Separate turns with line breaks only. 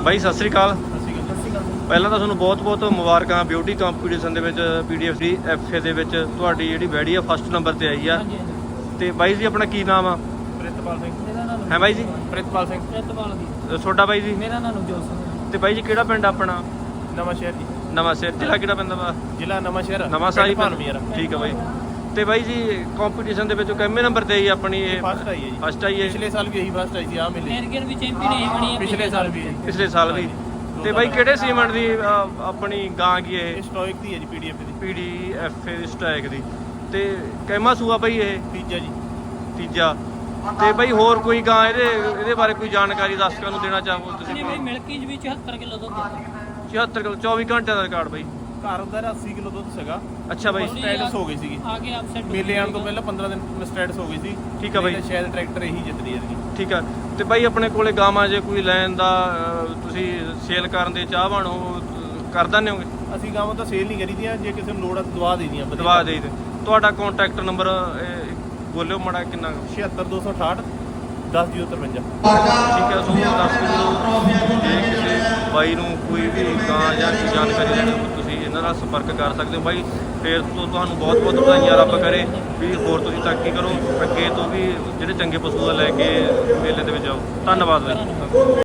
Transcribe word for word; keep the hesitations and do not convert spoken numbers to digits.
ਬਾਈ ਸਤਿ ਸ੍ਰੀ ਅਕਾਲ। ਪਹਿਲਾਂ ਤਾਂ ਤੁਹਾਨੂੰ ਬਹੁਤ ਬਹੁਤ ਮੁਬਾਰਕਾਂ ਬਿਊਟੀ ਕੰਪੀਟੀਸ਼ਨ ਦੇ ਵਿੱਚ ਪੀਡੀਐਫ ਦੀ ਐਫਏ ਦੇ ਵਿੱਚ ਤੁਹਾਡੀ ਜਿਹੜੀ ਬੈਡੀ ਆ ਫਸਟ ਨੰਬਰ ਤੇ ਆਈ ਆ। ਤੇ ਬਾਈ ਜੀ ਆਪਣਾ ਕੀ ਨਾਮ ਆ?
ਪ੍ਰਿਤਪਾਲ ਸਿੰਘ।
ਹੈ ਬਾਈ ਜੀ?
ਪ੍ਰਿਤਪਾਲ ਸਿੰਘ।
ਪ੍ਰਿਤਪਾਲ ਦੀ।
ਤੁਹਾਡਾ ਬਾਈ ਜੀ?
ਮੇਰਾ ਨਾਮ ਨਵਜੋਤ ਸਿੰਘ।
ਤੇ ਬਾਈ ਜੀ ਕਿਹੜਾ ਪਿੰਡ ਆਪਣਾ?
ਨਵਾਂ ਸ਼ਹਿਰ ਜੀ।
ਨਵਾਂ ਸ਼ਹਿਰ। ਜ਼ਿਲ੍ਹਾ ਕਿਹੜਾ ਪੈਂਦਾ ਵਾ?
ਜ਼ਿਲ੍ਹਾ ਨਵਾਂ ਸ਼ਹਿਰ।
ਨਵਾਂ ਸਾਈ
ਭਾਨਵੀਰ।
ਠੀਕ ਆ ਬਾਈ। ਤੇ ਬਾਈ ਜੀ ਕੰਪੀਟੀਸ਼ਨ ਦੇ ਵਿੱਚ ਕਿੰਨੇ ਨੰਬਰ ਤੇ ਆਈ ਆਪਣੀ ਇਹ?
ਫਸਟ ਆਈ ਹੈ ਜੀ।
ਫਸਟ ਆਈ ਹੈ।
ਪਿਛਲੇ ਸਾਲ ਵੀ ਇਹੀ ਫਸਟ ਆਈ ਸੀ ਆ ਮਿਲੇ।
ਐਰਗਨ ਵੀ ਚੈਂਪੀਅਨ ਹੀ ਬਣੀ ਹੈ
ਪਿਛਲੇ ਸਾਲ ਵੀ।
ਪਿਛਲੇ ਸਾਲ ਵੀ। ਤੇ ਬਾਈ ਕਿਹੜੇ ਸੀਮੈਂਟ ਦੀ ਆਪਣੀ ਗਾਂ ਕੀ ਇਹ?
ਸਟੋਇਕ ਦੀ ਹੈ ਜੀ ਪੀਡੀਐਫ ਦੀ।
ਪੀਡੀਐਫ ਦੀ ਸਟਾਇਕ ਦੀ। ਤੇ ਕਹਿਮਾ ਸੂਆ ਬਾਈ ਇਹ?
ਤੀਜਾ ਜੀ।
ਤੀਜਾ। ਤੇ ਬਾਈ ਹੋਰ ਕੋਈ ਗਾਂ ਇਹਦੇ ਇਹਦੇ ਬਾਰੇ ਕੋਈ ਜਾਣਕਾਰੀ ਦਰਸ਼ਕਾਂ ਨੂੰ ਦੇਣਾ ਚਾਹੋ ਤੁਸੀਂ?
ਇਹਨੇ ਬਈ ਮਿਲਕੀ ਚ ਵੀ ਚੁਹੱਤਰ ਕਿਲੋ ਦੁੱਧ ਦਿੱਤਾ।
ਚੁਹੱਤਰ ਕਿਲੋ ਚੌਵੀ ਘੰਟਿਆਂ ਦਾ ਰਿਕਾਰਡ ਬਾਈ।
ਘਰ ਦਾ ਅੱਸੀ ਕਿਲੋ ਦੁੱਧ ਸੀਗਾ।
ਅੱਛਾ ਬਾਈ।
ਸਟੈਟਸ ਹੋ ਗਈ ਸੀਗੀ।
ਆ ਕੇ ਅਪਸੈਟ
ਮੇਲੇ ਆਉਣ ਤੋਂ ਪਹਿਲਾਂ ਪੰਦਰਾਂ ਦਿਨ ਸਟੈਟਸ ਹੋ ਗਈ ਸੀ।
ਠੀਕ ਆ ਬਾਈ।
ਤੇ ਸ਼ਾਇਦ ਟਰੈਕਟਰ ਇਹੀ ਜਿੱਤਦੀ ਹੈ ਜੀ।
ਠੀਕ ਆ। ਤੇ ਬਾਈ ਆਪਣੇ ਕੋਲੇ ਗਾਵਾਂ ਜੇ ਕੋਈ ਲੈਣ ਦਾ ਤੁਸੀਂ ਸੇਲ ਕਰਨ ਦੇ ਚਾਹਵਾਨ ਹੋ ਕਰ ਦਿੰਦੇ ਹੋਗੇ?
ਅਸੀਂ ਗਾਵਾਂ ਤਾਂ ਸੇਲ ਨਹੀਂ ਕਰੀਦੀਆਂ, ਜੇ ਕਿਸੇ ਨੂੰ ਲੋੜ ਆ ਦਵਾ ਦੇ ਦੀਆਂ।
ਦਵਾ ਦੇ ਦੇ। ਤੁਹਾਡਾ ਕੰਟੈਕਟ ਨੰਬਰ ਬੋਲਿਓ ਮਾੜਾ ਕਿੰਨਾ?
ਛਿਹੱਤਰ ਦੋ ਸੌ ਅਠਾਹਠ ਦਸ ਜ਼ੀਰੋ ਤਰਵੰਜਾ।
ਠੀਕ ਹੈ। ਸੋ ਦੱਸ ਦਿਓ ਜੇ ਕਿਸੇ ਬਾਈ ਨੂੰ ਕੋਈ ਵੀ ਗਾਂ ਜਾਂ ਕੋਈ ਜਾਣਕਾਰੀ ਲੈਣੀ ਹੋਵੇ ਤੁਸੀਂ ਇਹਨਾਂ ਨਾਲ ਸੰਪਰਕ ਕਰ ਸਕਦੇ ਹੋ ਬਾਈ। ਫਿਰ ਤੋਂ ਤੁਹਾਨੂੰ ਬਹੁਤ ਬਹੁਤ ਵਧਾਈਆਂ ਰੱਬ ਕਰੇ ਵੀ ਹੋਰ ਤੁਸੀਂ ਤਰੱਕੀ ਕਰੋ, ਅੱਗੇ ਤੋਂ ਵੀ ਜਿਹੜੇ ਚੰਗੇ ਪਸ਼ੂ ਲੈ ਕੇ ਮੇਲੇ ਦੇ ਵਿੱਚ ਆਓ। ਧੰਨਵਾਦ ਬਾਈ।